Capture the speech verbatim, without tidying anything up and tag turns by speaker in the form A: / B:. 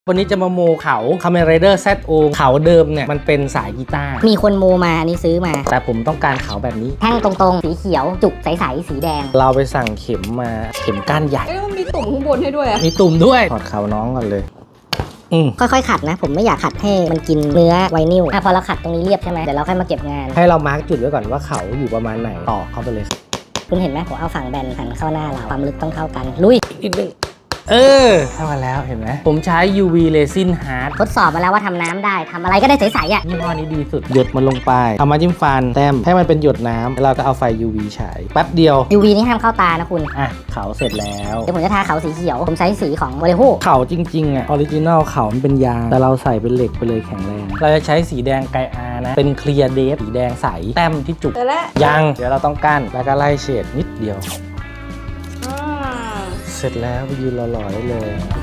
A: วันนี้จะมาโมเขา Kamen Rider แซด โอ เขาเดิมเนี่ยมันเป็นสายกีตาร์
B: มีคนโมมาอันนี้ซื้อมา
A: แต่ผมต้องการเขาแบบนี้
B: แท่งตรงๆสีเขียวจุกใสๆสีแดง
A: เราไปสั่งเข็มมาเข็มก้านใหญ่
C: เอ้ยมันมีตุ่มข้างบนให้ด้วยอะ
A: มีตุ่มด้วยถอดเขาน้องก่อนเลยอืม
B: ค่อยๆขัดนะผมไม่อยากขัดให้มันกินเนื้อไวนิลอ่ะพอเราขัดตรงนี้เรียบใช่ไหมเดี๋ยวเราค่อยมาเก็บงาน
A: ให้เรามาร์กจุดไว้ก่อนว่าเขาอยู่ประมาณไหนต่อเข้าไปเลย
B: คุณเห็นไหมผมเอาฝั่งแบนหันเข้าหน้าเราความลึกต้องเท่ากันลุย
A: อีกนึงเออเท่ากันแล้วเห็นไหมผมใช้ ยู วี Resin Hard
B: ทดสอบมาแล้วว่าทำน้ำได้ทำอะไรก็ได้ใสๆอ่ะ
A: ยี่ห้อนี้ดีสุดหยดมันลงไปเอามาจิ้มฟันแต้มให้มันเป็นหยดน้ำแล้วเราก็เอาไฟ ยู วี ฉายแป๊บเดียว
B: ยู วี นี่ห้ามเข้าตานะคุณ
A: อ่ะเขาเสร็จแล้ว
B: เดี๋ยวผมจะทาเขาสีเขียวผมใช้สีของโอเลโฮ
A: เขาจริงๆอ่ะออริจินอลเขามันเป็นยางแต่เราใส่เป็นเหล็กไปเลยแข็งแรงเราจะใช้สีแดงไกอานะเป็นเคลียร์เดฟสีแดงใสแต้มที่จุกยังเดี๋ยวเราต้องกั้นแล้วก็ไล่เฉดนิดเดียวเสร็จแล้วไปยืนหล่อๆได้เลย